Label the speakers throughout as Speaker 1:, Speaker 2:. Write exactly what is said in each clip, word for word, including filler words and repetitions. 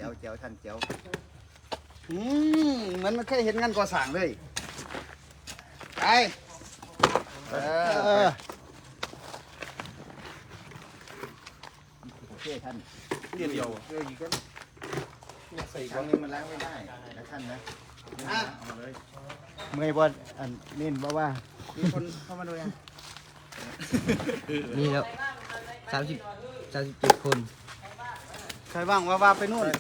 Speaker 1: จ๋วเจ๋วท่านเจ๋ว
Speaker 2: อืมเหมือนมันเคยเห็นงานก่อสร้างเลยไปเออ
Speaker 1: โอเคท่าน
Speaker 3: เดียวเดียว
Speaker 1: เอออีกก็ใส่ครั้งนึงมันล้างไม่ได้นะท่านนะเอามาเลย
Speaker 2: เมื่อยบ่อันนี่บ่ว่ามีคนเข้ามาดูยัง
Speaker 4: นี่ครับสามสิบสามสิบเจ็ดคน
Speaker 2: ใครบ้างว่าว่าไปนู่น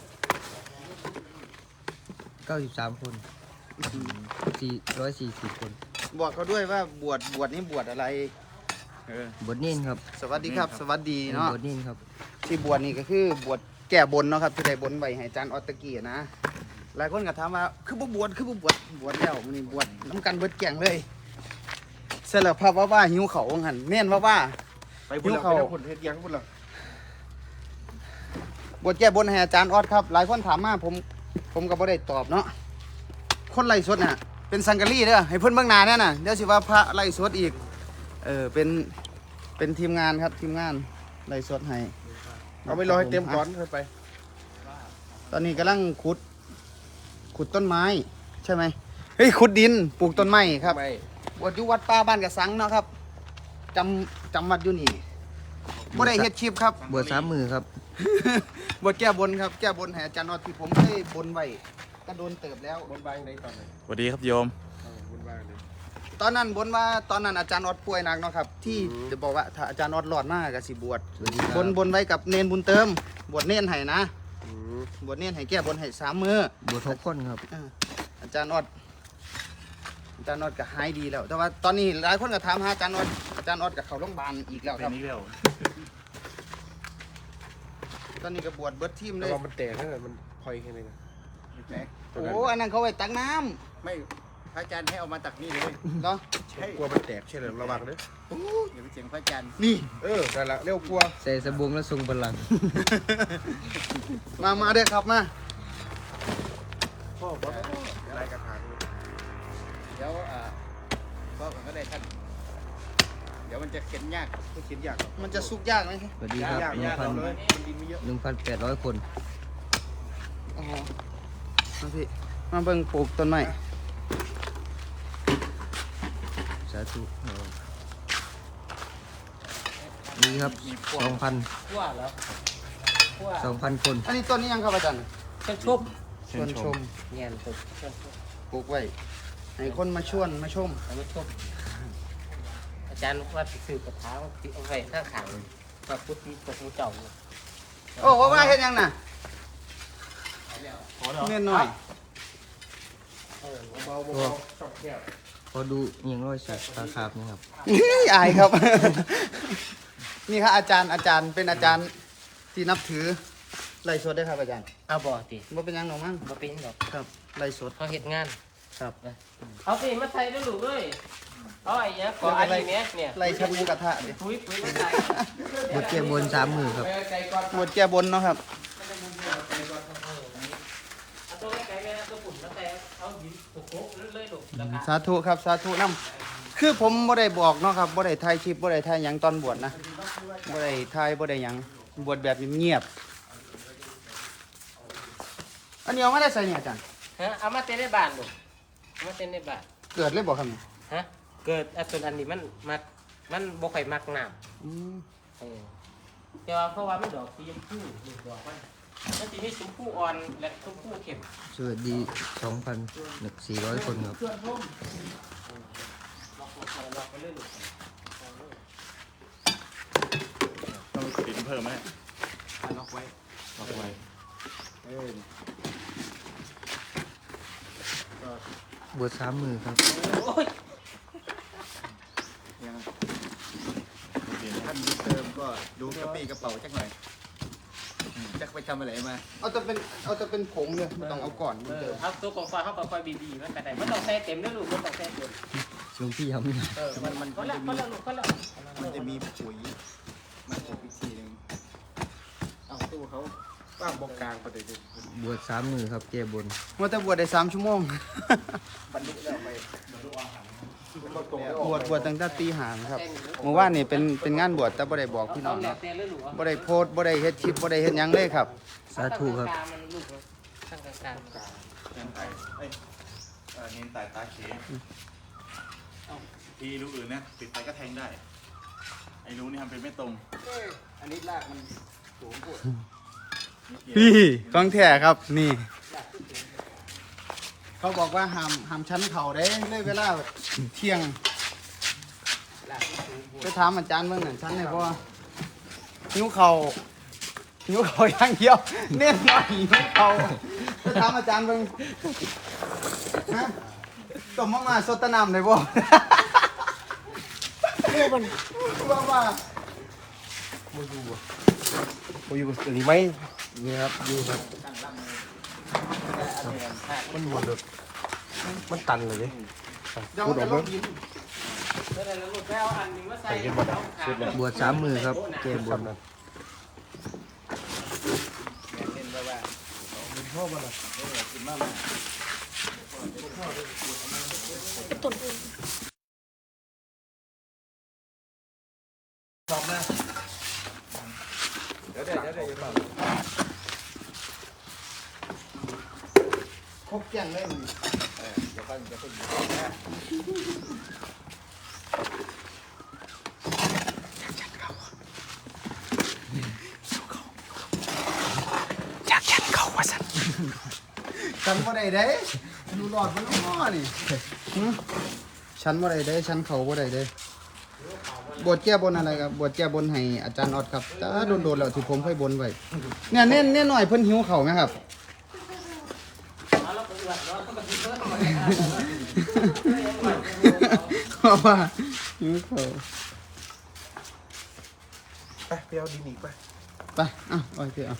Speaker 4: เก้าสิบสามคนสี่ร้อยสี่สิบคน
Speaker 2: บอกเขาด้วยว่าบวชบวชนี่บวชอะไร
Speaker 1: เออบ
Speaker 4: ทนิ่นครับ
Speaker 2: สวัสดีครับ สวัสดีเนาะ
Speaker 4: บทนิ่นครับ
Speaker 2: ที่บวชนี่ก็คือบวชแก้บนเนาะครับที่ได้บนไว้ให้อาจารย์ออตตะกี้นะหลายคนก็ถามว่าคือบ่บวชคือบ่บวชบวชแล้วมันนี่บวชน้ำกันเบิดแก่งเลยเสร็จแล้วพระว่าว่าหิวเขาว่างั้นแม่นว่าว่า
Speaker 3: ไปพุ่นแล้วไปแล้วพุ่นเฮ็ดยังพุ่นแล้ว
Speaker 2: บวชแก้บนให้อาจารย์ออดครับ หลายคนถามมาผมผมก็บ่ได้ตอบเนาะคนไล่สดน่ะเป็นสังกะรีเด้อให้เพิ่นเบิ่งหน้าแน่น่ะเดี๋ยวสิว่าพระไล่สดอีกเออเป็นเป็นทีมงานครับทีมงานไล่สดให้
Speaker 3: เอาไปรอให้เต็มก่อนค่อยไป
Speaker 2: ตอนนี้กำลังขุด ขุดต้นไม้ ใช่ไหมเฮ้ยขุดดินปลูกต้นไม้ครับ
Speaker 3: ไม่
Speaker 2: บวชอยู่วัดป่าบ้านกระสังเนาะครับจำจำวัดอยู่นี่บ่ได้เฮ็ดคลิปครับ
Speaker 4: บวชสามมือครับ
Speaker 2: บวชแก้บนครับแก้บนให้อาจารย์ออดที่ผมเคยบนไว้ก็โดนเติบแล้ว
Speaker 3: บนบางในตอนไหน
Speaker 5: สวัสดีครับโยม
Speaker 3: บนบางเลย
Speaker 2: ตอนนั้นบนว่าตอนนั้นอาจารย์ออดป่วยหนักเนาะครับ ที่
Speaker 3: อืม
Speaker 2: จะบอกว่าถ้าอาจารย์ออดรอดมากก็สิบวช
Speaker 4: สวัสดีครับ
Speaker 2: บนบนไว้กับเนนบุญเติม บวชเนนให้นะ
Speaker 3: อืม
Speaker 2: บวชเนนให้แก้บนให้สามมือบ
Speaker 4: วชหกคนครับ
Speaker 2: อ่าอาจารย์ออดอาจารย์ออดก็หายดีแล้ว แต่ว่าตอนนี้หลายคนก็ถามหาอาจารย์ออดอาจารย์ออดกับเขาโรงพยาบาลอีกแล้ว
Speaker 5: เป็
Speaker 2: คน รับ
Speaker 5: นี้แล้ว
Speaker 2: ตอนนี้ก็บวชเบิดทีมเล
Speaker 3: แต่
Speaker 2: ย
Speaker 3: ว่ามันแตกนั่นแหละมันพลอยแค่นี้นะ
Speaker 1: แตก
Speaker 2: โอ้อันนั้นเขาไว้ตักน้ำ
Speaker 1: ไม่พระอาจารย์ให้เอามาตักนี่เลย
Speaker 2: เนาะ
Speaker 1: ใช่
Speaker 3: กลัวมันแตกใช่เลยระวังเด้อ
Speaker 1: อย่าไปเสียงพระอาจารย์
Speaker 2: นี่
Speaker 3: เออนั่นละเร็วกลัว
Speaker 4: ใส่สบงและทรงพลัง
Speaker 2: มามาเด้อครับมา
Speaker 3: พ่อบอกอะไรกระถางเลย
Speaker 1: เดี๋ยวอ่าพ่อผมก็ได้ท่านเดี๋ยวมันจะเข็นยาก
Speaker 3: ไม่คิดยากหรอก
Speaker 2: มันจะสุกยากไหม
Speaker 4: สวัสดีครับ
Speaker 3: ยาก
Speaker 4: หนึ่
Speaker 3: ยาง ก
Speaker 4: พัน
Speaker 3: เอาเลยมันดินไม่เยอะ
Speaker 4: หนึ่งพันแปดร้อยคน
Speaker 2: อ๋อมาพี่มาเบิ่งปลูกต้นไม้
Speaker 4: สาธุนี่ครับสองพัน
Speaker 6: ขั้วแล้วขั้ว
Speaker 4: สองพันคน
Speaker 2: อันนี้ต้นนี้ยังครับอาจารย์
Speaker 6: เครื่องชุบ
Speaker 2: ชวนชม
Speaker 6: เงี้ยชุบเครื่องชุบ
Speaker 2: ปลูกไว้ให้คนมาชวนมาชม
Speaker 6: เอามาชุบอาจารย์ว่าสิสื่อกระถางติเอาไว้ข้างขังพระพุทธตกมือเจ้าเนี่ย
Speaker 2: โอ้ว่าว่าเฮ็ดยังน่ะเน่นหน่อย
Speaker 6: เออ
Speaker 3: เบาๆเบาๆชอบแก้ว
Speaker 4: พอดูเอียงร้อยสัตว์ตาขาบนะครับ
Speaker 2: อายครับ นี่ครับอาจารย์อาจารย์เป็นอาจารย์ที่นับถือไล่สดได้ครับอาจารย์
Speaker 6: เอาบ่ติ
Speaker 2: ว่าเป็นหยังหนอมั้ง
Speaker 6: บ่เป็นหรอก
Speaker 2: ครับไล่สด
Speaker 6: เขาเฮ็ดงาน
Speaker 2: ครับ
Speaker 6: เอาสิมาใส่ด้วยลูกเลยเอาไอ้เนี้ยก่ออันนี้เนี้ยเนี่ย
Speaker 2: ไล่ชักหมูกระทะดิ
Speaker 6: ปุ๋ยปุ๋ยมาใส่
Speaker 4: บวชแก้บนสามมือครับ
Speaker 2: หมดแก้บนเนาะครับ
Speaker 6: เอาตัวไก่แม่ตัวปุ่นมาใส่เอาหินโขกๆเลยลูกแล้วก็
Speaker 2: สาธุครับสาธุนํคือผมบ่ได้บอกเนาะครับบ่ได้ถ่ายคลิปบ่ได้ถ่ายหยังตอนบวชนะบ่ได้ถ่ายบ่ได้หยังบวชแบบเงียบๆอันนี้เอามาได้ใส่เนี่ยอาจารย์
Speaker 6: ฮะเอามาเต้นในบ้านลูกเอามาเต้นในบ้าน
Speaker 2: เกิดเลยบ่ครับ
Speaker 6: ฮะเกิดอันตัวอันนี้มันมักมันบ่ค่อยมักน้ำ
Speaker 2: อืม
Speaker 6: เออแต่ว่าเพราะว่ามันดอกสีชมพูลูกดอกมันมันจะมีชมพูอ่อนและชมพูเข้ม
Speaker 4: สวัสดีสองพันสี่ร้อยคนครับ
Speaker 6: ลอกลอกไปเรื่อยลูก
Speaker 5: ต้องดินเพิ่มไหม
Speaker 3: ล็อกไว้
Speaker 5: ล็อกไว้
Speaker 3: เออบ
Speaker 4: วชสามมือครับ
Speaker 6: โอ้ย
Speaker 1: ยัง
Speaker 5: ดิน
Speaker 1: ท่านเติมก็ดูกระปี้กระเป๋าจักหน่อยอืมจักไปทำอะไรมา
Speaker 2: เอาแต่เป็นเอาแต่เป็นผงเลยไม่ต้องเอาก่อน
Speaker 6: เอ
Speaker 2: มัน
Speaker 6: อ
Speaker 2: เดิม
Speaker 6: เอาตัวกองฟ้าเข้าไปค่อยบีบีมันไปไหนมันต้องใส่เต็มด้วยลูกมันต้องใส่เต็ม
Speaker 4: หลวงพี่ทำไม่ได้
Speaker 6: เออมันมันก็แล้วก็แล้วลูกก็แล้ว
Speaker 1: มันจะมีปุ๋ยมันจะอีกทีหนึงเอาตู้เขา
Speaker 3: ว่างบอกกลางประเดี๋ยวนี้
Speaker 4: บวชสามมือครับแก้บน
Speaker 2: ว่าแต่บวชได้สามชั่วโมง
Speaker 1: บรรลุแล้วไป
Speaker 2: บวชบวชตั้งแต่ตีหางครับเมื่อวานนี่เป็นเป็นงานบวชแต่บ่ได้บอกพี่น้อง
Speaker 6: แล้ว
Speaker 2: เนาะ
Speaker 6: แต่เลยหรือวะ
Speaker 2: บ่ได้โพสต์บ่ได้เฮ็ดคลิปบ่ได้เฮ็ดหยังเลยครับ
Speaker 4: สาธุครับ
Speaker 6: มันลูกตั้งกลางกลาง
Speaker 5: เน้นไต่เอ้ยเออเน้นไต่ตาเขทีรูอื่นเนี่ยปิดไปก็แทงได้ ไอ้รูนี่ทำเป็นไม่ตรง
Speaker 1: อันนี้ลากมันสูงพูด
Speaker 2: พี่กองแท้ครับนี่ เขาบอกว่าห้ามห้ามชั้นเข่าได้เลยเวลาเที่ยงไปถามอาจารย์เบิ่งนั่นชั้นไหนบ่หิวเข่าหิวเข่าอย่างเดียวเน้นหน่อยหิวเข่าไปถามอาจารย์เบิ่งฮะต้มมาม่าสดแตะน้ำได้บ่ว่าว่า
Speaker 3: โมยูอันนี้ไหมนี่ครับอยู่ครับมันวนเลยมันตันเลยดิ
Speaker 2: เดี๋ยว
Speaker 3: พูด
Speaker 2: มัน
Speaker 3: ออ
Speaker 2: จะ
Speaker 3: ก
Speaker 2: ล
Speaker 3: มั้
Speaker 2: ง
Speaker 3: ย
Speaker 2: ดิน
Speaker 6: แล้วเราลูกไปเอาอันนึงมาใส่
Speaker 3: ใส่กันหมดอ่ะสุดเลย
Speaker 4: บวชสามมือครับเกมบวช
Speaker 1: แม่นเล่นไว้ว่า
Speaker 3: พ่อมันอ่ะ
Speaker 1: กินมากมาเดี๋ยวเดี๋ยวเดี๋ยวเดี๋ยวเปล่า
Speaker 2: ครบเกลี้ยงเลยมึง
Speaker 1: เออเดี๋ยวค่อยเดี๋ยวค่อยอยู่นะ
Speaker 2: ฉันบ่ได้เด้ดูหลอดมันง้อนี่หึฉันบ่ได้เด้ฉันเขาบ่ได้เด้บวชแก้บนอะไรครับบวชแก้บนให้อาจารย์ออดครับแต่โดนๆแล้วที่ผมเคยบนไว้เนี่ยเน้นเน้นหน่อยเพิ่นหิวเขาไหมครับ
Speaker 6: แล้วก็เอือดแล้วก็กินเพิ่ม
Speaker 2: เพราะว่าหิวเขา
Speaker 3: ไปไปเอาดินอีกไป
Speaker 2: ไปอ่ะโอเคอ่ะ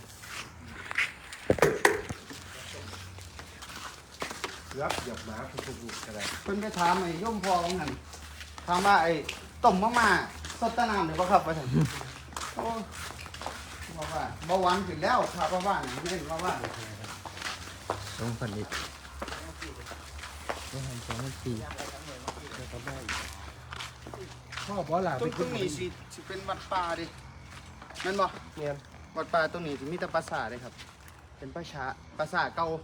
Speaker 3: รับหยับหมาคุณครูอะไร
Speaker 2: เพิ่นไปถามไอ้โย่มพ่อของหันถามว่าไอ้ต้มมะม่าสดแตะน้ำได้บ่ครับว่าซั่นโอ้บอกว่าเบาหวานขึ้นแล้วครับว่าว่านี่เน้นว่าว่า
Speaker 4: สองพันเอ็ดสองพันสองพันสี่
Speaker 3: พ่อบอกหล่ะ
Speaker 2: ตรงตรงนี้สิสิเป็นวัดป่าดิแม่นบ่
Speaker 3: เนี่ย
Speaker 2: วัดป่าตรงนี้สิมีแต่ปราสาทเลยครับ เป็นปราชาปราสาทเก่า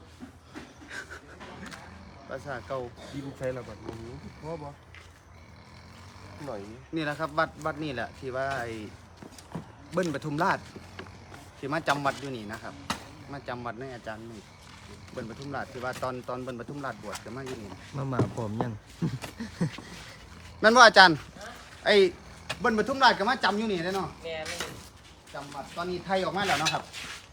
Speaker 2: ปราสาทเก่า
Speaker 3: ดินใช้ระเบิดมึงพ่อบอกหน่อย
Speaker 2: นี่แหละครับวัดวัดนี่แหละที่ว่าไอ้เบิ้ลปทุมราชที่มาจำวัดอยู่นี่นะครับ มาจำวัดในอาจารย์นี่เบิ้ลปทุมราชที่ว่าตอนตอนเบิ้ลปทุมราชบวชก็มาอยู่นี่
Speaker 4: มามาพร้อมยัง
Speaker 2: แม่นว่าอาจารย์ไอ้เบิ้ลปทุมราชก็มาจำอยู่นี่ได้เนาะ
Speaker 6: แม่ไม่
Speaker 2: จำวัดตอนนี้ไทยออกมาแล้วเนาะครับ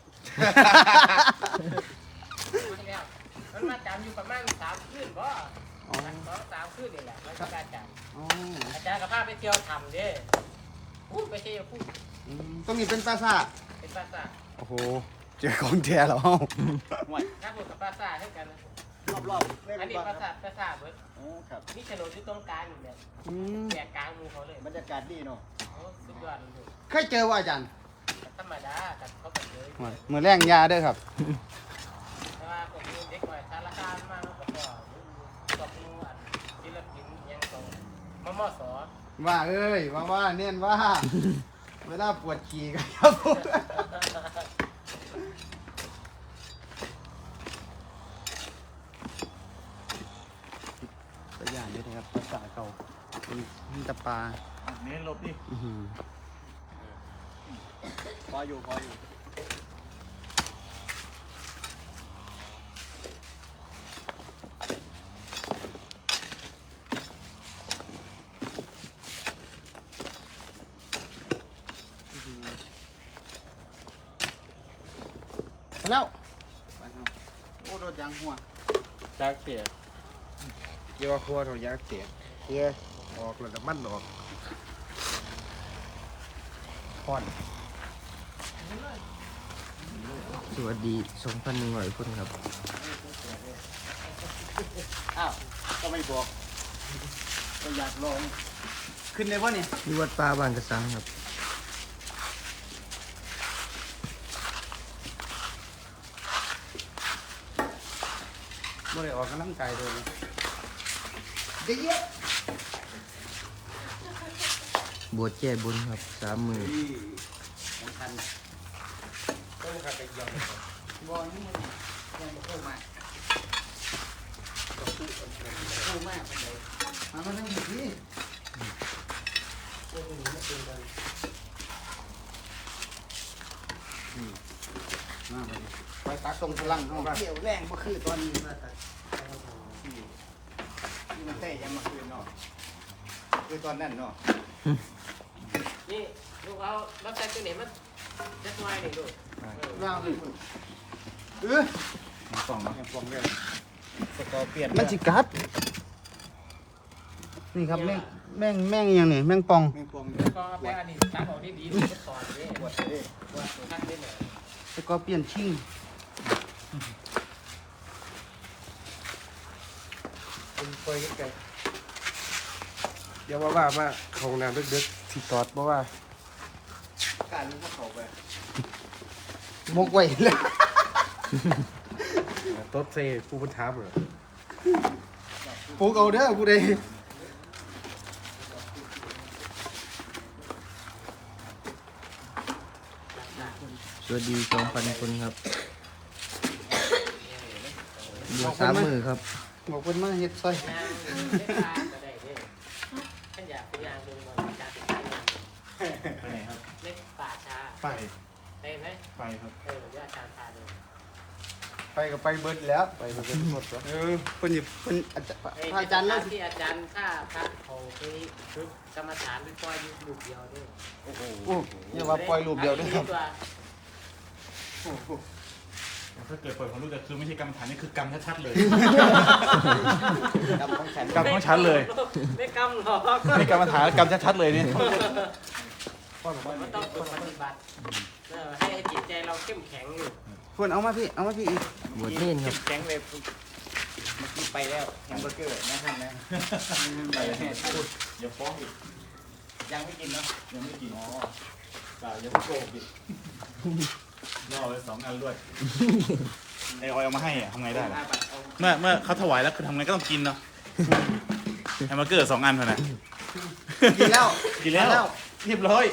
Speaker 6: แล้วมันมาจำอยู่ประมาณสามคืนบ่
Speaker 2: อ๋อ
Speaker 6: สองสามคืนนี่แหละมันก็อาจารย์
Speaker 2: อ๋อ
Speaker 6: อาจารย์กับพาไปเที่ยวทำเด้พูดไปเที่ยวพูด
Speaker 2: อืมตรงนี้เป็นปราสาท
Speaker 6: เป็นภาษา
Speaker 2: โอ้โหเจอของแท้แล้ว
Speaker 6: ถ้าพูดกับภาษาเท่ากัน
Speaker 1: รอบๆเล่น
Speaker 6: อันนี้
Speaker 1: บ้าง
Speaker 6: ภาษาภาษาเบิด
Speaker 1: อ๋อครับ
Speaker 6: นี่โฉนดอยู่ตรงกลางอยู่เนี่ย
Speaker 2: อืม
Speaker 6: แบกกลางมือเขาเลย
Speaker 1: บรรยากาศดีเนาะ
Speaker 6: โอ้สุดยอดเลย
Speaker 2: เคยเจอว่าอาจารย์
Speaker 6: ธรรมดาแต่เขาแบบเลย
Speaker 2: มือแรงยาเด้อครับ
Speaker 6: แต่ว่าผมเด็กหน่อยสารคามมากแล้วก็กับมูอันศิลปินยังตรงมมส
Speaker 2: ว่าเอ้ยว่าว่าเน้นว่า เวลาปวดขี่กันครับผมตัวอย่างนี้นะครับภาษาเก่าเป็นมีแตะปลา
Speaker 5: อ่ะเน้นลบดิ
Speaker 2: อื้อหือ
Speaker 1: พออยู่พออยู่
Speaker 2: ไปแล้วไปครับโอ้โดดยางหัว
Speaker 3: จากเสียเกี่ยวกับครัวเรายากเสียเกี่ยออกแล้วแต่มันออกพอน
Speaker 4: สวัสดีสองพันหนึ่งร้อยคนครับ
Speaker 1: อ้าวก็ไม่บอกก็อยากลอง
Speaker 2: ขึ้นได้ป่ะเนี่ย
Speaker 4: ที่วัดป่าบ้านกระสังครับ
Speaker 2: บ่ได้ออกกำลังกายเลยเดี๋ยว
Speaker 4: บวชแก้บนครับสามมือ
Speaker 1: ของทัน
Speaker 6: ต้องขับไปยอม
Speaker 1: บอลนี่มันยังไม่เข้ามาเข้ามาเป็นไง
Speaker 2: มามานั่งที่
Speaker 6: ตัวนี้ไม่เป็นกัน
Speaker 2: มาไปตักตรงพลังเข้ามา
Speaker 1: เกี่ยวแรงก็คือตอนนี้มาตัดที่มันเตะยังมาคืนเนาะคือตอนนั้นเนาะ
Speaker 6: นี่ลูกเอารับใช้ตัวนี้มันจะทำไมนี่ลูก
Speaker 2: ว่างเลยเออ
Speaker 5: สองเนาะยังฟองได้สกอร์เปลี่ยน
Speaker 2: มันจิกัดนี่ครับแม่งแม่งแม่งอยังนี่แม่งปอง
Speaker 5: ไม่ฟอง
Speaker 6: ก็ไปอันนี้ตักออกที่ดีดูก็ถอดเลย
Speaker 1: ปวดเลย
Speaker 6: ว่าทักได้เลย
Speaker 2: แล้วก็เปลี่ยนชิ่ง
Speaker 3: ผมไปใกล้ๆเดี๋ยวว่าว่ามาเข้าห้องน้ำดึกๆที่ตอดเพราะว่า
Speaker 1: การรู้ว่าเขาไป
Speaker 2: มกไว้เลย
Speaker 3: โต๊ดเซ่ผู้บัญชาเหรอ
Speaker 2: ปลูกเอาเด้อกูได้
Speaker 4: สวัสดีสองพันคนครับบวชสามมือครับ
Speaker 2: บอกเพิ่นมาเฮ็ดซอย
Speaker 6: ยางเล็กปลาก็ได้เด้ท่านอยากเป็นยางดึงมาจากติดตั้งยาง
Speaker 5: ไปไหนครับ
Speaker 6: เล็กป่าช้า
Speaker 5: ไป
Speaker 6: ได้ไหม
Speaker 5: ไปครับ
Speaker 6: เออญาติชาญพาเลย
Speaker 2: ไปก็ไปเบิดแล้วไปเบิดหมดแล้วเออเพิ่นสิเพิ่นอาจารย์พระอาจารย์เนาะ
Speaker 6: ที่อาจารย์ข้าพระเขาไปฝึกกรรมฐานไปปล่อยอยู่ลูกเดียวด้วย
Speaker 1: โอ้โห
Speaker 2: โอ้อย่าว่าปล่อยรูปเดียวเด้อครับ
Speaker 5: ถ้าเกิดเปิดของลูกจะคือไม่ใช่กรรมฐานนี่คือกรรมชัดๆเลย
Speaker 1: กรรมของฉัน
Speaker 5: กรรมของฉันเลย
Speaker 6: ไม่กำหรอก
Speaker 5: นี่กรรมฐานกรรมชัดๆเลยเนี่ย
Speaker 6: มันต้องฝึกปฏิบัติเออให้จิตใจเราเข้มแข็งอยู่
Speaker 2: เพิ่นเอามาพี่เอามาพี่อีก
Speaker 4: บวชเน่นครับ
Speaker 1: แข็งเลยเมื่อกี้ไปแล้วแฮมเบอร์เกอร์นะท่านนะไปแล้ว
Speaker 5: อย่าฟ้องอีก
Speaker 1: ยังไม่กินเนาะ
Speaker 5: ยังไม่กินอ๋อเปล่าอย่าเพิ่งโกหกอีกล่อไปสองอันด้วยไอออยเอามาให้อะทำไงได้ล่ะ
Speaker 1: อาบัตเอา
Speaker 5: เมื่อเมื่อเขาถวายแล้วคือทำไงก็ต้องกินเนาะแฮมเบอร์เกอร์สองอันเท่านั้น
Speaker 2: กินแล้ว
Speaker 5: กินแล้วเรียบร้อย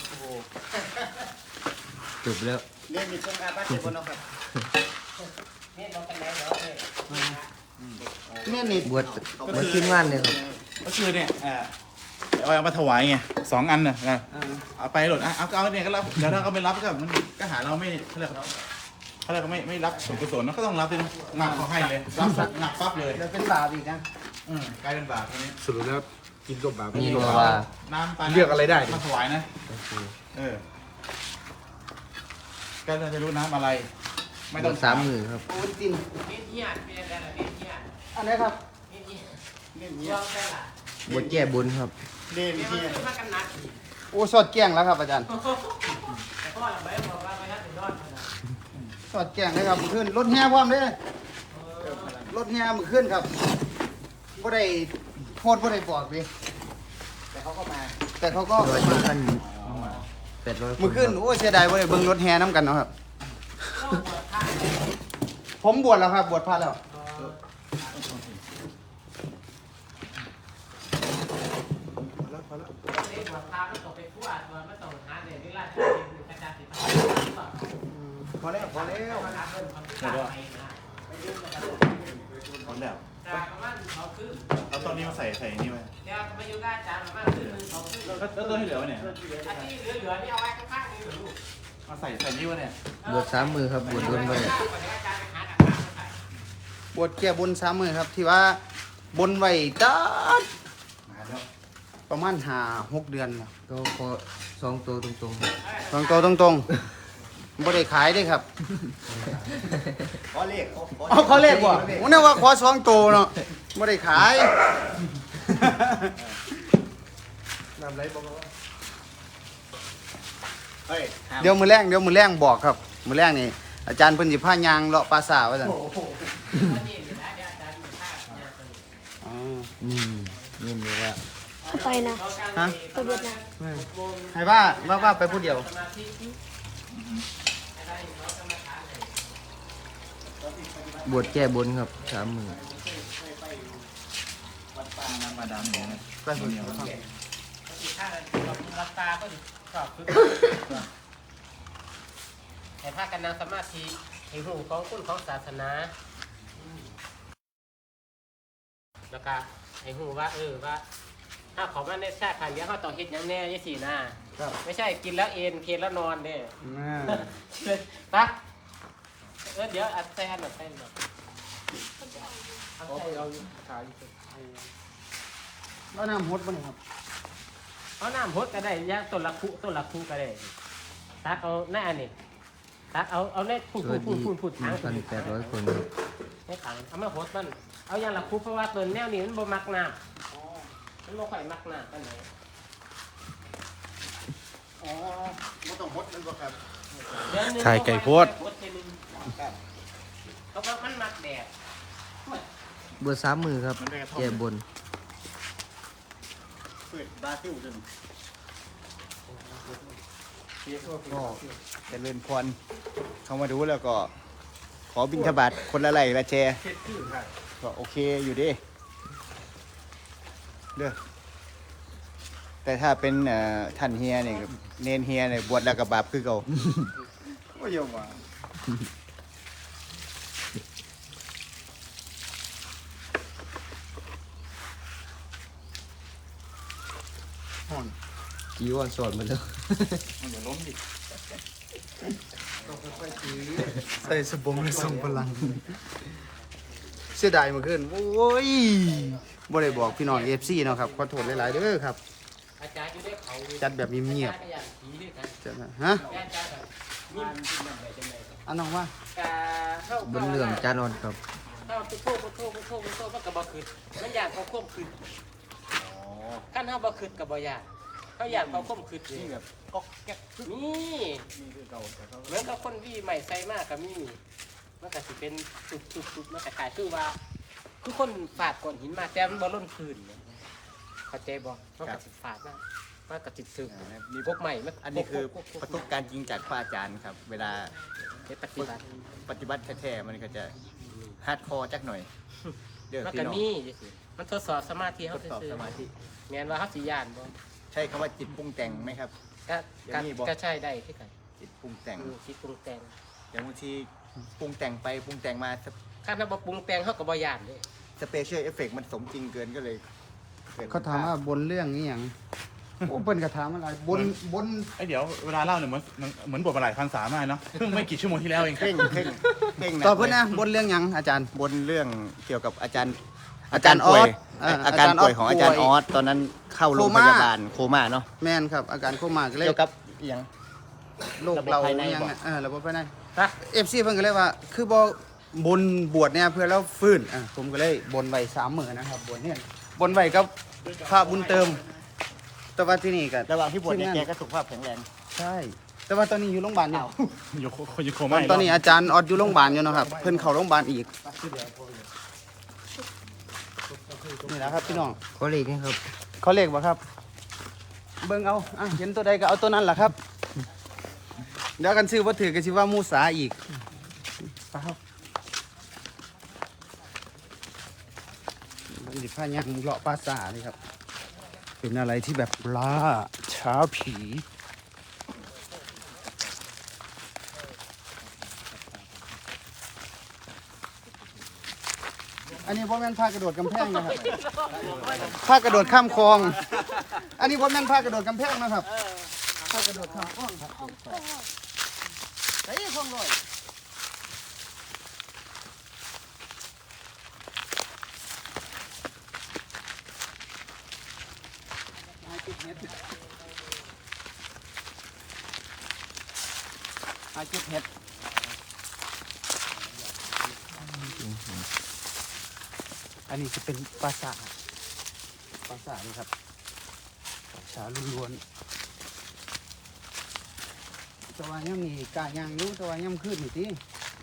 Speaker 4: จบแล้ว
Speaker 1: เรียนมีช่วงอาบัตเดี๋ยวบนเอาครับ
Speaker 6: เนี่ยเราเป็นไงเหรอเนี่ย
Speaker 2: แม่นี่
Speaker 4: บวชบวชขึ้นว่านเลยครับ
Speaker 5: ก็คือเนี่ยเอ่อไอออยเอามาถวายไงสองอันน่ะนะ
Speaker 2: อ่า
Speaker 5: เอาไปหล่นอ่ะเอาเอาเนี่ยก็รับเดี๋ยวถ้าเขาไม่รับก็มันก็หาเราไม่เขาเรียกเขาเรียกไม่ไม่รับส่วนกุศลนะก็ต้องรับด้วยนะหนักเขาให้เลยรับสักหนักปั๊บเลย
Speaker 2: แล้วเป็นบาปอีกนะ
Speaker 5: อืมกลายเป็นบาปทีนี้
Speaker 3: สรุปแล้วกินกับบาป
Speaker 4: นี่บอกว่า
Speaker 5: น้ำปลา
Speaker 3: เลือกอะไรได้ดิ
Speaker 5: มาถวายนะเออก็จะรู้น้ำอะไร ไม่
Speaker 4: บ
Speaker 5: ต้
Speaker 4: ว
Speaker 5: อง
Speaker 4: ชสามมือครับ
Speaker 2: โอ้ยจิน
Speaker 6: เนี่ยเนี่ยเป็นอะไรเนี่ยเนี่ย
Speaker 2: อันไหนี้ครับ
Speaker 6: เนี่ยเนี่ยเนี่ยได้ละ
Speaker 4: บวชแก้บนครับ
Speaker 1: เรียน
Speaker 6: เนี่ย
Speaker 1: ที่
Speaker 6: มันขึ้นมากันนักอีก
Speaker 2: โอ้สอดแกล้งแล้วครับอาจารย์
Speaker 6: แต่พ่อเราไม่บอกว่าไม่ทันถึงรอดนะ
Speaker 2: สอดแกล้งเลยครับมื้อขึ้นรถแห่พร้อมเด้อรถแห่มื้อขึ้นครับบ่ได้โพดบ่ได้บอกดิ
Speaker 1: แต่เขาก็มา
Speaker 2: แต่เขาก็
Speaker 4: ร้อยยี่พันแปดร้อย
Speaker 2: มื้อขึ้นโอ้เสียดายบ่ได้เบิ่งรถแห่นํกันเนาะครับ
Speaker 6: เข้าบวชพระ
Speaker 2: ผมบวชแล้วครับบวชพระแล้ว
Speaker 6: เด็กบวชพระมันตกไปทั่วตัวมันตกหาเด็กที่ราชการเป็นกระจายสิบห้าหรือเปล่า
Speaker 2: พอแล้วพอแล้ว
Speaker 6: เวลาเพิ่มความคิดต่างไปนะไปยืมกัน
Speaker 5: หมดแล้ว
Speaker 6: จากประมาณเขาขึ้น
Speaker 5: เอาตอนนี้มาใส่ใส่นี่ไว้
Speaker 6: เดี๋ยวมาอยู่กับอาจารย์ประมาณขึ้นหนึ่งเขาขึ้น
Speaker 5: แล้วแล้วตัวที่เหลือวะเนี่ย
Speaker 6: อันที่เหลือๆนี่เอาไว้ข้างๆนี่เหรอลูก
Speaker 5: มาใส่ใส่นี่วะเนี่ย
Speaker 4: บวชสามมือครับบวชโดนไป
Speaker 2: บวชแก้บนสามมื้อครับ ที่ว่าบนไว้จัด
Speaker 5: มาแล้ว
Speaker 2: ประมาณห้าหกเดือนแล้ว
Speaker 4: ก็ขอสองตัวตรง
Speaker 2: ตรงๆตรงๆบ่ได้ขายเด้ครับ
Speaker 1: ขอเลข
Speaker 2: อ๋อเขาเลขบ่ผมนึกว่าขอสองตัวเนาะบ่ได้ขาย
Speaker 3: น้ำไหลบอกว่า
Speaker 1: เฮ้ย
Speaker 2: เดี๋ยวมื้อแรงเดี๋ยวมื้อแรงบอกครับมื้อแรงนี่อาจารย์เพิ่นสิพายางเลาะปราสาทว่าซั่นอ๋อ
Speaker 4: ๆนี่นี่บอกว่า
Speaker 7: ไปนะ
Speaker 2: ฮะ
Speaker 7: ไปเวียดนาม
Speaker 2: ให้ว่าว่าว่าไปผู้เดียว
Speaker 4: บวชแก้บนครับสามมือ
Speaker 5: น้ำมาดามเนี่ยนะ
Speaker 2: ไปผู้เดียว
Speaker 6: ที่ข้าเราราคาก็ดิชอบคือแต่ถ้ากันนั่งสมาธิให้หูของคุณของศาสนาแล้วก็ให้หูว่าเออว่าถ้าของมันได้แท้ขันเดี๋ยวเขาต้องเฮ็ดอย่างแน่ยี่สี่หน้าไม่ใช่กินแล้วเอ็นเพลแล้วนอนเนี่ย
Speaker 2: อ่า
Speaker 6: ปะเออเดี๋ยวอัดแซนหน่อยแซนหน่อย
Speaker 3: เอาไปเอาขาย
Speaker 2: แล้วน้ำฮดบ่นี่ครับ
Speaker 6: เอาน้ำพดก็ได้ยาต้นละคุต้นละคุก็ได้ตักเอาหน้านี่ตักเอาเอาในพูด
Speaker 4: ส
Speaker 6: พู
Speaker 4: วั
Speaker 6: ด
Speaker 4: ส
Speaker 6: พู
Speaker 4: ดี
Speaker 6: ดพูดพูด
Speaker 4: หนึ่งพันแปดร้อยคนครับ
Speaker 6: ให้ถังเอามาพดมันเอาอย่างละคุเพราะว่าต้นแนวนี้มันบ่มักน้ำมันบ่ค่อยมักน้ำปานไหน
Speaker 1: อ๋อไม่ต้องฮดมันบ่ครับ
Speaker 6: เดือนหนึ่ง
Speaker 3: ขายไก่โพด
Speaker 6: พดทีนึงเพราะว่ามันมักแดด
Speaker 4: เบอร์สามมือครับแก่บน
Speaker 1: เปิดบราซิลจนก็เจริญพรเข้ามาดูแล้วก็ ขอบิณฑบาตคนละไหลละแชร์ก็โอเคอยู่ดิเด้อแต่ถ้าเป็นเอ่อท่านเฮียเนี่ยเนนเฮียเนี่ยบวชแล้วกับบาปคือเก่าก็ยอมว่า
Speaker 4: จีวอนสอดมาแล้ว
Speaker 5: มันอย่าล้มดิ
Speaker 2: ใส่สบงเลยทรงพลัง เสียดายเมื่อคืนโอ้ยบ่ได้บอกพี่น้อง เอฟ ซี เนาะครับขอโทษหลายๆเด้อครับ
Speaker 6: อาจารย์อยู่ได้เขา
Speaker 2: จัดแบบเงียบ
Speaker 6: อาจารก็อย่างผีด้วยกัน
Speaker 2: ๆจัดนะฮะ
Speaker 6: อาจารย์แบบมีมันเป็นแบบไหนจังไง
Speaker 2: อันน้องว่า
Speaker 6: กาเข้า
Speaker 4: บนเรื่องจานอนครับ
Speaker 6: เข้าไปโทษไปโทษไปโทษไปโทษมันก็บ่คืนมันอยากเขาควบคืนขั้นเฮาบ่คืนก็บ่อยากเขาอยากเขาควบคืนนี่แบบก๊อกแก๊กนี่
Speaker 1: นี่คือเก่าแต่เขา
Speaker 6: เหมือนกับคนที่ใหม่ใส่มากก็มีมันก็สิเป็นสุดๆๆมันก็กลายคือว่า คือคนฝาดก้อนหินมาแต่มันบ่ล้นคืนเนี่ยเข้าใจบ่มันก็สิฝาดมากมันก็สิซึมมีพวกใหม่มัน
Speaker 1: อันนี้คือประสบการณ์จริงจากพระอาจารย์ครับ เวลา
Speaker 6: เฮ็ดปฏิบัติ
Speaker 1: ปฏิบัติแท้ๆมันก็จะฮาร์ดคอร์จักหน่อย เดี๋ยว
Speaker 6: มัน
Speaker 1: พี่
Speaker 6: ก็
Speaker 1: น้อง
Speaker 6: มีจังซี่มันทดสอบสมาธิ
Speaker 1: ท
Speaker 6: เฮา
Speaker 1: ดสอบ
Speaker 6: ซื่อ
Speaker 1: สมาธิ
Speaker 6: ๆแม่นว่าเฮาสิย่านบ่
Speaker 1: ใช่คำว่าจิตปรุงแต่งไหมครับ
Speaker 6: ก็
Speaker 1: เดี๋ยว
Speaker 6: ก็
Speaker 1: นี้บ่
Speaker 6: ก็ใช่ได้คือกัน
Speaker 1: จิตปรุงแต่ง
Speaker 6: อือคิดปรุงแต่ง
Speaker 1: อย่างบางทีปรุงแต่งไปปรุงแต่งมา
Speaker 6: คันถ้าบ่ปรุงแต่งเฮาก็บ่ย่านเด้
Speaker 1: สเปเชียลเอฟเฟกต์มันสมจริงเกินก็เลยกิด
Speaker 2: เขาถามว่าบนเรื่องนี้หยังโอ้เพิ่นก็ถามอะไรบนบน
Speaker 5: ไอยเดี๋ยวเวลาเล่าเนี่ยเหมือนเหมือนบทมาหลายพันสามากเนาะเพิ่งไม่กี่ชั่วโมงที่แล้วเอง
Speaker 1: เพ่งเพ่งเพ่ง
Speaker 2: ตอบเพิ่นนะบนเรื่องหยังอาจารย์
Speaker 1: บนเรื่องเกี่ยวกับอาจารย์
Speaker 2: อาจารย์ออส
Speaker 1: ป่วย
Speaker 2: เอ่อ
Speaker 1: อาการ
Speaker 2: อาจารย์ออส
Speaker 1: ป่วยของอาจารย์
Speaker 2: ป่
Speaker 1: อ
Speaker 2: วย
Speaker 1: อสตอนนั้นเข้าโรง
Speaker 2: โค
Speaker 1: พ
Speaker 2: ม่า
Speaker 1: ยาบาลโคม่าเนาะ
Speaker 2: แม่นครับ อาการโคม่าก็เลย
Speaker 1: เกี่ยวกับอหย่าง
Speaker 2: โรคเรา
Speaker 1: ระบบภายใน
Speaker 2: ยัง
Speaker 1: บ่
Speaker 2: เออระบบภายใน
Speaker 6: นะ
Speaker 2: เอฟซีเพิ่นก็เลยว่า คือบ่บนบวชเนี่ยเพื่อเราฟื้นอ่ะผมก็เลยบนไว้สามมื้อนะครับบนเนี่ยบนไว้กับพระบุญเติม แต่ว่าที่นี่ก็
Speaker 1: ระหว่างที่บวชเนี่ย
Speaker 2: ทีม
Speaker 1: แก
Speaker 2: งาน
Speaker 1: ก็สุขภาพแข็งแรง
Speaker 2: ใช่ แต่ว่าตอนนี้อยู่โรงพยาบาลอยู่
Speaker 5: อยู่โคอยู่โค
Speaker 2: ต
Speaker 5: ม่า
Speaker 2: อน
Speaker 5: อีก
Speaker 2: ตอนนี้อาจารย์ออดอยู่โรงพยาบาลอยู่เนาะครับ เพิ่นเข้าโรงพยาบาลอีกนี่แหละครับพี่น้อง
Speaker 4: ขอเลขนะครับ
Speaker 2: เขาเลขบ่ครับ เบิ่งเอาอ่ะเห็นตัวใดก็เอาตัวนั้นล่ะครับ เดี๋ยวกันซื้อบ่ถือก็สิว่ามูสาอีกไปครับมันสิพายังเลาะปราสาทนี่ครับ เป็นอะไรที่แบบล่าช้าผี อันนี้พ่อแม่นพากระโดดกำแพงนะครับพากระโดดข้ามคลอง อันนี้พ่อแม่นพากระโดดกำแพงนะครับพากระโดดข้ามคลองครับไอ้คลองลอยหาจุดเห็ดหาจุดเห็ด อันนี้จะเป็นปราสาทปราสาทนี่ครับปราสาทล้วนๆแตะวันย่ำนี่กาย่างอยุ่แตะวันย่ำขึ้นนี่ที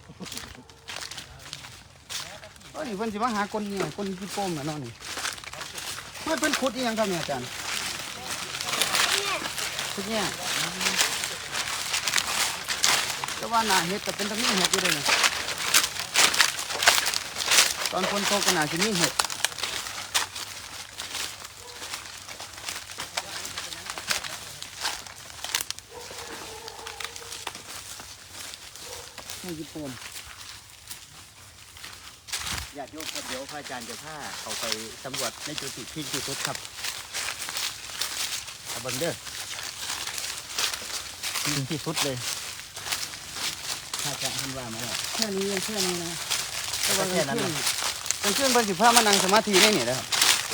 Speaker 2: โอ้ยนี่เพิ่นสิมาหาคนเนี่ยคนที่โป้มน่ะเนาะนี่ไม่เป็นขุดอีหยังครับเนี่ยอาจารย์ขุดเนี่ยแต่ว่าหน้าเห็ดก็เป็นตะมีเห็ดอยู่เลยนี่ตอนคนโตก็น่าจะมีเห็ด
Speaker 1: ญาติโยมครับเดี๋ยวพระอาจารย์จะพาเขาไปสำรวจในจุดที่ที่ที่สุดครับเอาเบังเด้อที่ที่สุดเลยพระอาจารย์ท่านว่ามาแล้ว
Speaker 2: แค่นี้ยังแค่นี้นะ
Speaker 1: แต่ว่าแค่นั้นนะ
Speaker 2: เป็นเพื่อนเพิ่นสิพามานั่งสมาธิได้นี่นะครับ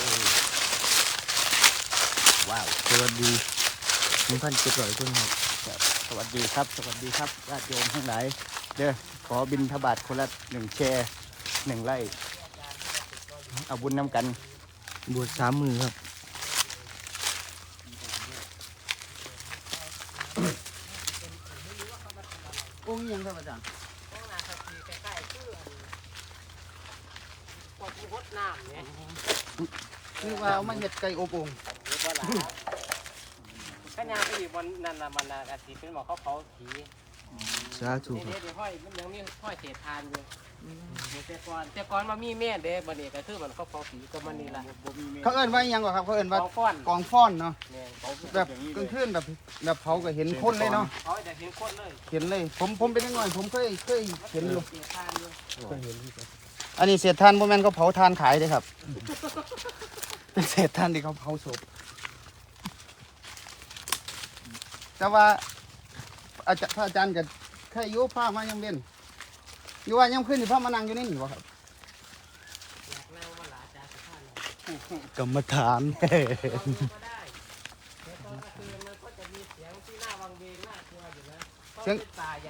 Speaker 1: ว้าว
Speaker 4: สวัสดีหนึ่งพันเจ็ดร้อยคนครับ
Speaker 1: ครับสวัสดีครับ สวัสดีครับญาติโยมทั้งหลายเด้อขอบิณฑบาตคนละหนึ่งแชร์หนึ่งไร่เอาบุญน้ำกัน
Speaker 4: บวชสามมือครับ
Speaker 2: องค์ยังครับอาจารย์
Speaker 6: ข้างหน้าทัศนีใกล้ๆคือพวกมีหดน้ำเนี่ย
Speaker 2: คือว่าเอามาเฮ็ดไก่อบโอง
Speaker 6: หรือว่าหลาขยาไปอีกวันนั่นละมันน่ะอาทิตย์เป็นหมอเขาเผาผี
Speaker 4: สาธุ
Speaker 6: เดี๋
Speaker 4: ค
Speaker 6: ยว
Speaker 4: รับ
Speaker 6: เดี๋ยวห้อยมันยังมีห้อยเศษทานอยู่แต่ก่อนแต่ก่อนมามีแม่เด้บัดนี้ก็คือมันเขาเผาผีก็มันนี่ล่ะ
Speaker 2: เขาเอิ้นว่าอิหยังก่อนครับเขาเอิ้นว่า
Speaker 6: เผาก้อน
Speaker 2: กองฟ้อนเนาะ
Speaker 6: เนี่ยเขา
Speaker 2: แบบกลางคืนแบบแบบเผาก็เห็นคนเลยเนาะ
Speaker 6: เขาจะเห็นคนเลย
Speaker 2: เห็นเลย ผมผมเป็นน้อยๆผมเคยเคยเห็นอยู่
Speaker 6: เศษทานอยู่
Speaker 2: อันนี้เศษถ่านบ่แม่นเขาเผาถ่านขายเด้ครับ เป็นเศษถ่านที่เขาเผาศพแต่ว่าอาจารย์พระอาจารย์ก็แค่อยู่พามายังเว้นอยู่ว่ายังขึ้นที่พามานั่งอยู่นี่นี่บ่ครับ
Speaker 6: อยากนั่งมาหลาจ้าสุภาพเลย
Speaker 2: กรรมฐาน
Speaker 6: ก็ได้เดี๋ยวตอนกลางคืนมันก็จะมีเสียงที่น่าวังเวงน่ากลัวอยู่นะเพราะเป็นป่าใหญ่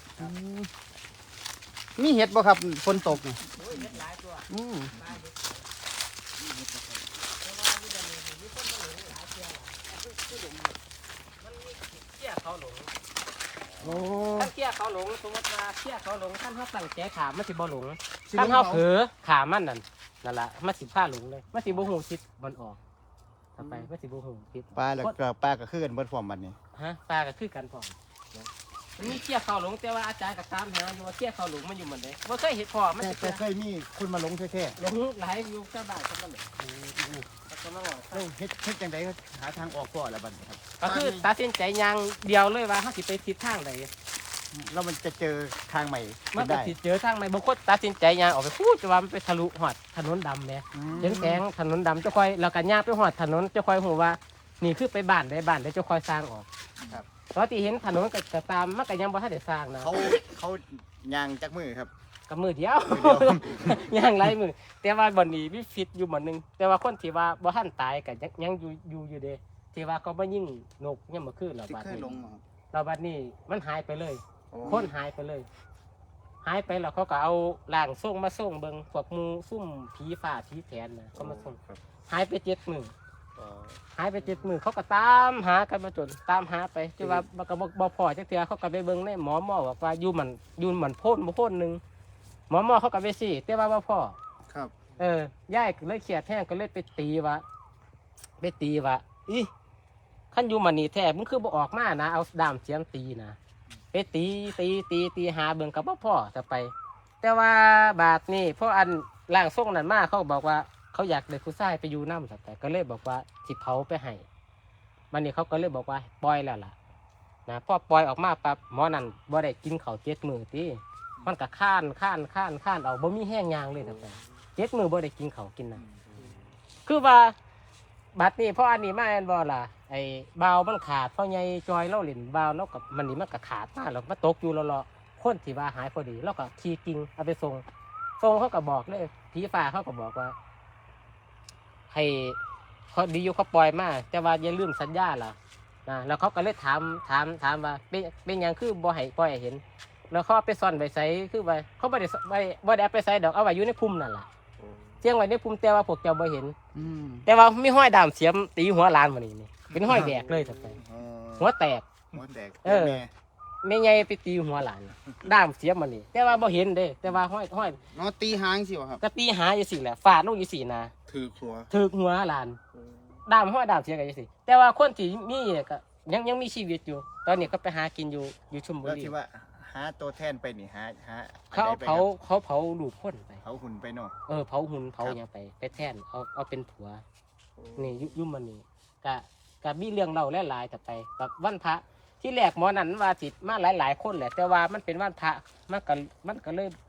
Speaker 2: มีเห็ดบ่ครับฝนตกนี่
Speaker 6: โอ้ยเห็นหลายตัว
Speaker 2: อืม
Speaker 6: ป่าเห็ดแต่ว่าที่จะมีมีคนมาหลงหลายเที่ยวล่ะอันนี้คือหลงมันมีเที่ยเขาหลง
Speaker 2: โอ้
Speaker 6: ท่านเที่ยเขาหลงสมมติว่าเที่ยเขาหลงท่านเขาตั้งใจขามมันสิบ่หลง
Speaker 2: สิ
Speaker 6: ท่าน
Speaker 2: ลง
Speaker 6: เขา
Speaker 2: เขา
Speaker 6: เผลอขามมันนั่นนั่นละมันสิพาหลงเลยมันสิบ่หูทิศมันออกทำไปมันสิบ่หูทิศ
Speaker 1: ปลาแล้วก็ปลาก็คือกันเบิดพร้อมบัดนี้
Speaker 6: ฮะปลาก็คือกันพร้อมนะมันมีเที่ยเขาหลงแต่ว่าอาจารย์ก็ตามหาอยู่ว่าเที่ยเขาหลงมันอยู่เหมือนเดิมบ่เคยเห็นพอมัน
Speaker 1: แต่
Speaker 6: สิ
Speaker 1: แต่เคยมีคนมาหลงแท้
Speaker 6: หลงหลายอยู่เจ้าบ้านเขามันเลยแล้วก็มาบอก
Speaker 1: ๆแล้วเฮ็ดเฮ็ดจังไดก็หาทางออกก่อนละบัดนี้ครับ
Speaker 6: ก็คือตัดสินใจอย่างเดียวเลยว่าเขาสิไปทิศทางใด
Speaker 1: แล้วมันจะเจอทางใหม่
Speaker 6: มันก็
Speaker 1: ได้
Speaker 6: สิเจอทางใหม่บางคนตัดสินใจย่างออกไปพูดจะว่ามันไปทะลุหอดถนนดำเนี่ย
Speaker 1: อืม
Speaker 6: เห็นแสงถนนดำเจ้าคอยเรากันย่างไปหอดถนนเจ้าคอยหูว่านี่คือไปบ้านได้บ้านได้เจ้าคอยสร้างออกตอนที่เห็นถนนก็ตามมันก็ยังบ่ทันได้สร้างนะ
Speaker 1: เขาเขายางจักมือครับ
Speaker 6: กับมือเดียว ย่างไรมือแต่ว่าบ่นี้มีฟิตอยู่หมดนึงแต่ว่าคนที่ว่าบ่ทันตายก็ยังยังอยู่อยู่อยู่เด้ที่ว่าเขาบ่ยิงนกยังบ่คืนเรา
Speaker 2: ที่
Speaker 6: บัด
Speaker 2: เคย
Speaker 6: นี้
Speaker 2: ลงมาครับ
Speaker 6: เราบัดนี้มันหายไปเลยคนหายไปเลย หายไปแล้วเขาก็เอาล่างส่งมาส่งเบิงพวกหมูซุ่มผีฝ่าผีแผนนะเขามาส่งหายไปเจ็ดมือหายไปเจ็ดมือเขาก็ตามหากันมาจนตามหาไปจนว่ามันก็บ่บ่พอจักเทื่อเขาก็ไปเบิ่งในหมอหมอบอกว่าอยู่มันอยู่มันโพ่นบ่โพ่นหนึงหมอหมอเขาก็ไปสิแต่ว่าบ่พอ
Speaker 2: ครับ
Speaker 6: เออย่ายก็เลยเครียดแท้งก็เลยไปตีว่าไปตีว่าอีขั้นอยู่มันนี่แท้มึงคือบ่ออกมานะเอาด้ามเสียมตีนะไปตีตีตีตีหาเบิ่งกับบ่พ่อจะไป แต่ว่าบาทนี่เพราะอันร่างทรงนั้นมาเขาบอกว่าเขาอยากเลยผู้ชายไปอยู่น้ำสัแต่ก็เลยบอกว่าสิเผาไปให้มันนี่เขาก็เลยบอกว่าปล่อยแล้วล่ะนะพอปล่อยออกมาปั๊บหมอนั่นบ่ได้กินข้าวเจ็ดมื้อติมันก็ข้านข้านข้านข้านเอาบ่มีแห้งยางเลยแต่เจ็ดมื้อบ่ได้กินข้าวกินน้ำคือว่าบัดนี้เพราะอันนี้มาแอนบ่ล่ะไอ้บาวมันขาดเพราะไงจอยเล่าเล่นบาวแล้วกับมันนี่มันก็ขาดมาแล้วมาตกอยู่เลาะๆคนที่ว่าหายพอดีแล้วก็ขี่กิ่งเอาไปส่งส่งเขาก็บอกเลยผีฟ้าเขาก็บอกว่าให้เขาดีอยู่เขาปล่อยมาแต่ว่าอย่าลืมสัญญาล่ะนะแล้วเขาก็เลยถามถามถามว่าเป็นเป็นหยังคือบ่ให้ปล่อยให้เห็น แล้วเขาเอาไปซ่อนไว้ใส่คือไว้เขาไม่ได้ไว้บ่ได้เอาไปใส่ดอกเอาไว้อยู่ในพุ่มนั่นล่ะเสียงไว้ในพุ่มแต่ว่าพวกเจ้าบ่เห็น
Speaker 2: อืม
Speaker 6: แต่ว่ามีห้อยดามเสียมตีหัวลานมานี่นี่เป็นห้อยแบกเลยแต่ไป
Speaker 1: อ๋อ
Speaker 6: หัวแตก
Speaker 1: หัวแตก
Speaker 6: เออ
Speaker 1: แม่
Speaker 6: ไม่ใหญ่ไปตีหัวหลานด้ามเสียมมานี่แต่ว่าบ่เห็นเด้แต่ว่าห้อยห้อย
Speaker 2: เนาะตีหางสิวะครับ
Speaker 6: ก็ตีหาอยู่สิแหละฟาดลงอยู่สินะ
Speaker 3: ถือหัว
Speaker 6: ถึกหัวหลานด้ามห้อยดามเสียกันอยู่สิแต่ว่าคนที่มีเนี่ยก็ยังยังมีชีวิตอยู่ ตอนนี้ก็ไปหากินอยู่อยู่ชลบุ
Speaker 1: แล้ว
Speaker 6: รี
Speaker 1: ที่ว่าหาตัวแทนไปนี่หาหา
Speaker 6: เขา
Speaker 1: อันใดไป
Speaker 6: เผา
Speaker 1: ครับ
Speaker 6: เขาเผาลูกคนไป
Speaker 1: เผาหุ่นไปเนาะ
Speaker 6: เออเผาหุ่นเผาหยังไปไปแทนเอาเอาเป็นผัวนี่ยุยุ่มมันนี่กะกะมีเรื่องเล่าหลายๆแต่ไปกับวันพระที่แรกหมอนั้นว่าติดมาหลายๆคนแหละแต่ว่ามันเป็นวันพระมันก็มันก็เลย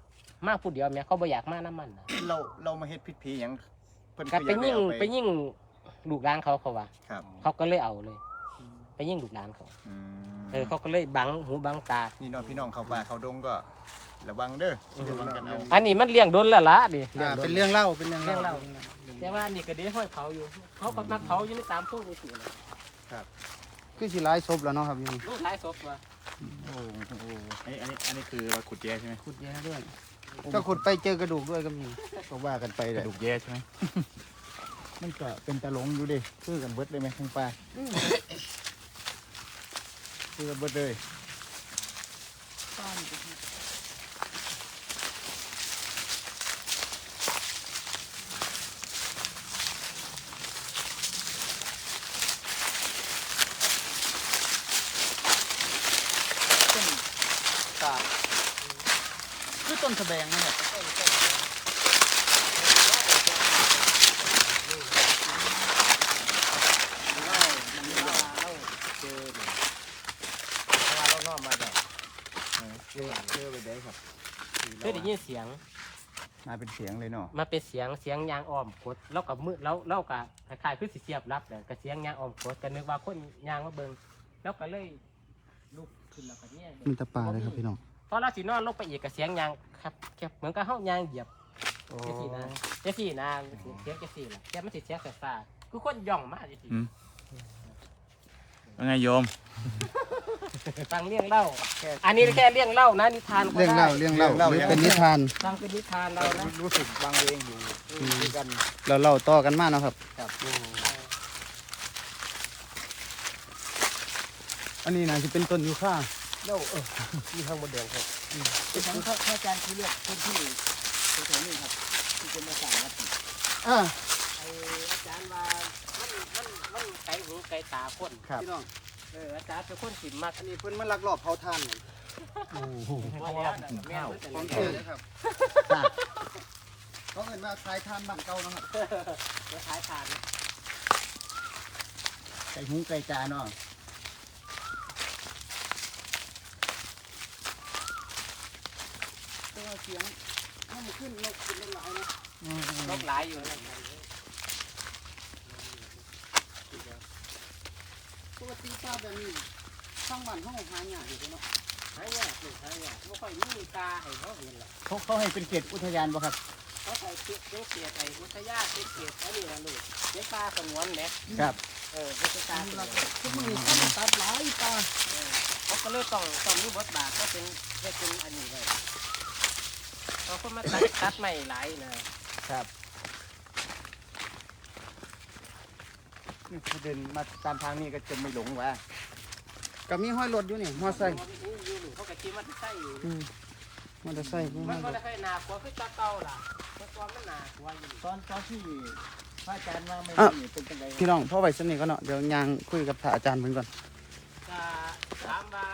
Speaker 6: มาผู้เดียวแม่เขาบ่อยากมาน้ำมันนะ
Speaker 1: เราเรามาเฮ็ดผิดผีหยังเพิ่น
Speaker 6: ก็
Speaker 1: คือ
Speaker 6: ไป
Speaker 1: อยากได้
Speaker 6: ยิ่ง
Speaker 1: เอา
Speaker 6: ไปยิ่งลูกหลานเขาเขาว่า
Speaker 1: ครับ
Speaker 6: เขาก็เลยเอาเลย ไปยิ่งลูกหลานเขา
Speaker 1: อืม
Speaker 6: เออเขาก็เลยบังหูบังตา
Speaker 1: นี่เน้องพี่น้องเข้าป่าเข้าดงก็ระวังเด้อระวังกันเอา
Speaker 6: อันนี้มันเลี้ยงโดนแล้วละดิ
Speaker 2: อ่าเป็นเรื่องเล่าเป็นเรื่อง
Speaker 6: เลี้ยง
Speaker 2: เล่า
Speaker 6: เล่าแต่ว่านี่ก็เดี๋ยวห้อยเผาอยู่เขาก็มาเผาอยู่ในตามทุ่งนี่สิเลย
Speaker 2: คือสิหลายศพแล้วเนาะครับอยัง
Speaker 6: ลูกหลายศพว่ะ
Speaker 1: โอ้โห
Speaker 5: อันนี้อันนี้อันนี้คือเราขุดแย่ใช่ไหม
Speaker 2: ขุดแย่ด้วยก็ขุดไปเจอกระดูกด้วยก็มี
Speaker 1: ก็ว่ากันไป
Speaker 5: ก
Speaker 1: แห
Speaker 5: ระ
Speaker 1: ละ
Speaker 5: ดูกแย่ใช่ไหม
Speaker 1: มันก็เป็นตะหลงอยู่ดิคือกันเบิดเลยไหมทั้งป่าคือกันเบิดเลย
Speaker 2: ตาคือต้นแสดงนะครับ
Speaker 1: เชื่อเชื่อไปได้ครับ
Speaker 6: เคยได้ยินเสียง
Speaker 1: มาเป็นเสียงเลยเนาะ
Speaker 6: มาเป็นเสียงเสียงยางอ้อมกดแล้วกับมือแล้วแล้วกับคล้ายๆคือสิเสียบรับเลยกับเสียงยางอ้อมกดก็นึกว่าคนยางมาเบิ่งแล้วก็เลยลุกขึ้นแล้วก็เนี่ย
Speaker 2: มีแตะปลาเลยครับพี่น้อง
Speaker 6: พอเราสินอนลงไปอีกกับเสียงยางครับแค่เหมือนกับเฮายางเหยียบเจสี่นะเจสี่นะเสียงเจสี่ล่ะแต่มันสิเสียงซ่าๆคือคนย่องมาเจสี่
Speaker 5: ว่าไงโยม
Speaker 6: ฟังเรื่องเล่า อันนี้แค่เรื่องเล่านะนิทานก็
Speaker 2: เรื่อง
Speaker 6: ได้
Speaker 2: เล่าเรื่องเล่าหรือเป็นนิทาน
Speaker 6: ฟังเป็นนิทานเรานะ
Speaker 1: รู้สึกบางเวงอยู่ด้วยกัน
Speaker 2: เราเล่าต่อกันมาเนาะครับ
Speaker 1: ครับ
Speaker 2: อันนี้น่าจะเป็นต้นยูคา
Speaker 6: เล่าเออมีทางบนแดงครับเป็นทั้งพระอาจารย์ที่เลือกคนที่แถวนี้ครับที่เป็นมาสั่งวัด
Speaker 2: อ่า
Speaker 6: ไออาจารย์ว่ามันมันมันไกลหูไกลตาคน
Speaker 2: พี่น้อง
Speaker 6: เอออาจารย์เป็นคนสิมาก
Speaker 2: อันนี้เพิ่นมาลักลอบเผาทานเนี่ย
Speaker 6: เพราะว่าแม่
Speaker 2: ของ
Speaker 6: เจ
Speaker 2: เจ
Speaker 6: อ
Speaker 2: เลยครับเขาเอิ้นว่าคลายทานบ้านเก่าเนาะครับ
Speaker 6: จะขายทาน
Speaker 1: ไก่หูไก่จาเนาะ
Speaker 2: ตัวเสียงมันขึ้นนกขึ้นหลายนะ
Speaker 6: ลบหลายอยู่นะ
Speaker 2: ปกติปลาแบบนี้ข้างบ้านห้องหายากอยู่เนาะ
Speaker 6: หายากหนึ่งหายากไม่ค่อยมีตาให้เขาเห็นหรอก
Speaker 1: เขาเขาให้เป็นเขตอุทยานบ่ครับ
Speaker 6: เขาใส่เกียร์เกียร์ไอ้อุทยานเกียร์อันนี้นะลูกเกียร์ปลาสงวนเนี่ย
Speaker 1: ครับ
Speaker 6: เออเป็นปลาสงวน
Speaker 2: ทุกมื้อนี้เขาตัดหลายปลา
Speaker 6: เขาก็เลยต้องต้องมีบทบาทก็เป็นได้เป็นอันนี้เลยเขาก็มาตัดตัดใหม่หลายนะครับ
Speaker 1: นี่เขาเดินมาตามทางนี้ก็จะไม่หลงว่ะ
Speaker 2: ก็มีห้อยรถอยู่นี่มอไซค์
Speaker 6: เขาก็คิดว่าจะใส่อยู่
Speaker 2: อืมมอเตอร์ไซค์มีห้
Speaker 6: มั
Speaker 2: อน ยร
Speaker 6: ก็
Speaker 2: ถ
Speaker 6: ได้ค่อยหนาหัวคือตาเก่าล่ะเมื่อก่อนมันหนาหัวอยู่
Speaker 1: ตอนตอนที่พระอาจารย์มาไม่มีเป็นจังไง
Speaker 2: พี่น้องพ่อไว้สนิทก็เนาะเดี๋ยวยางคุยกับพระอาจารย์เพิ่นก่อน
Speaker 6: จะถามว่า